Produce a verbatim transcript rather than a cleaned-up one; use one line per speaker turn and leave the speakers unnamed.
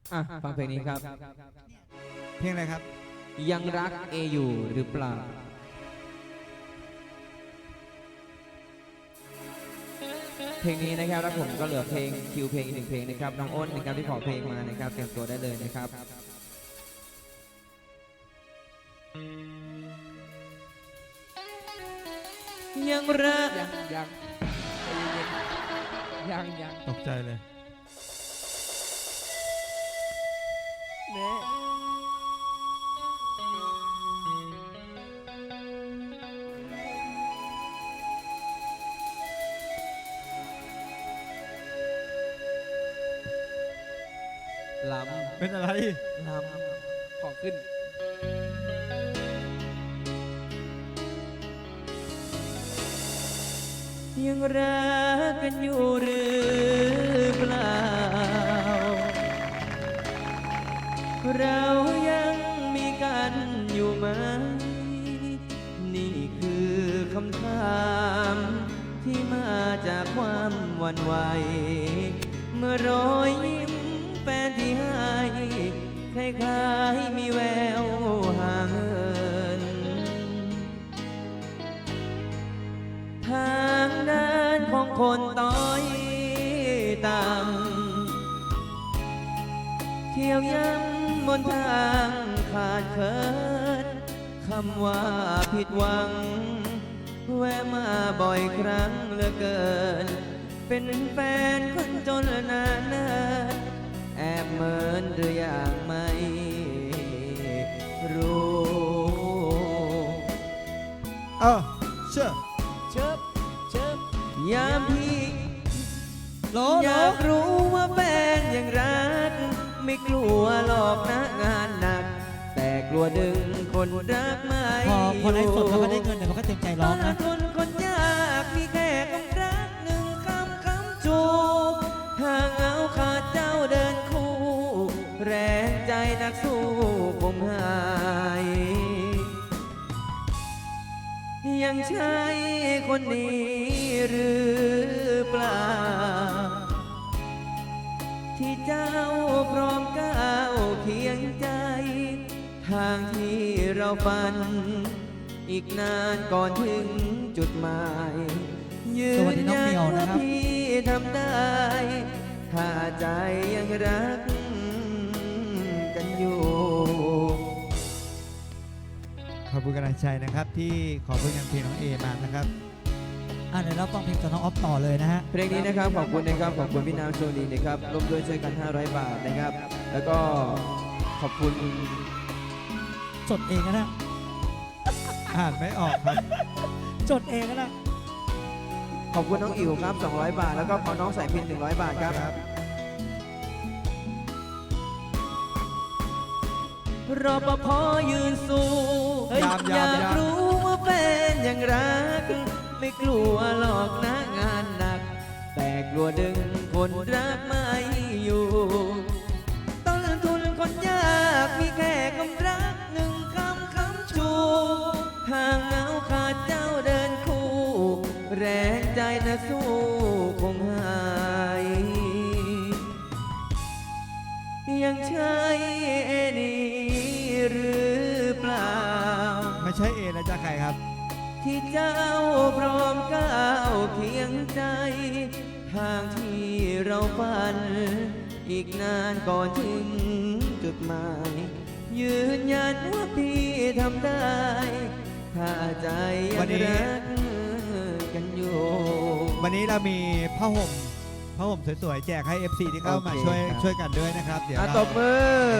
อ่ะฟังเพลงนี้ครับ
เพลงอะไรครับ
ยังรักเออยู่หรือเปล่าเพลงนี้นะครับแล้วผมก็เหลือเพลงคิวเพลงอีกหนึ่งเพลงนะครับน้องอ้นนะครับที่ขอเพลงมานะครับเตรียมตัวได้เลยนะครับยังรัก
ยังยังยังยัง
ตกใจเลย
เน่
ล
เป็นอะไร
ำลำ
ของขึ้น
ยังรักกันอยู่หรือเปล่าเรายังมีกันอยู่ไหมนี่คือคำถามที่มาจากความหวั่นไหวเมื่อรอยยิ้มแฟนที่ให้คล้ายๆมีแววห่างเหินทางเดินของคนต้อยต่ำเที่ยวย้ำบนทางขาดเคินคำว่าผิดหวังแวะมาบ่อยครั้งเหลือเกินเป็นแฟนคนจนนานเนินแอบเหมินหรืออย่างไม่รู้
เออเชื่อ
เชิบเชิบ
ยามพี่
โหล
อ
โหล
ยากรู้ว่าแฟนยังรักไม่กลัวหลอกนะงานหนัก แต่กลัวดึงคนรักไม่
พอพอไลฟ์สดแล้วก็ได้
อยู่
เงินเดี๋ยวมันก็เต็มใจ
ต
ร้อ
อง น
นะ
ทนคนยากมีแค่คำรักหนึ่งคำคำจูบห่างเอาขาดเจ้าเดินคู่ แรงใจนักสู้คงหาย ยังใช่คนนี้หรือเปล่า ที่เจ้าพร้อมก้าวเคียงใจ ทางที่เราฝัน อีกนานก่อนถึงจุดหมายยื
สวัส
น
ดีน้อง
ยั
เหมียว
ว่า
นะครับ
พี่ทำได้ ถ้าใจยังรักกันอยู่
ขอบคุณกำลังใจนะครับที่ขอเพื่อนเพลงน้องเอมานะครับ
อ่ะเดี๋ยวเราฟังเพลงจากน้องออฟต่อเลยนะฮะ
เพลงนี้นะครับขอบคุณนะครับขอบคุณพี่นางโชลีนะครับร่วมด้วยช่วยกันห้าร้อยบาทนะครับ แล้วก็ขอบคุณ
จดเองก็ได้
อ่านไม่ออกครับ
จดเองก็ได้
ขอบคุณน้องอิ๋วครับสองร้อยบาท แล้วก็ขอน้องสายพินหนึ่งร้อยบาทครับรปภยืนสู้
เฮ้ย
อยาก
ยามยาม
รู้ว่าแฟนยังรัก ไม่กลัวหลอกนะงานหนัก แต่กลัวดึงคนรักไม่อยู่ ต้นทุนคนยากมีแค่คำรักหนึ่งคำคำชูห่างเหงาขาดเจ้าเดินคู่ แรงใจนะสู้คงหาย ยังใช่เอนี่หรือเปล่า
ไม่ใช่เอแล้วจะใครครับ
ที่เจ้าพร้อมก้าวเคียงใจ ทางที่เราฝัน อีกนานก่อนถึงจุดหมาย ยืนยันว่าพี่ทำได้ ถ้าใจยั
วัน
ง
นี้
รักกันอยู่
วันนี้เรามีผ้าห่มผ้าห่มสวยๆแจกให้ เอฟ ซี ที่เข้ามา
โอเค
ช่วย
ครับ
ช่วยกันด้วยนะครับ เดี๋ยว
อ่ะ
เรา
ตบมือ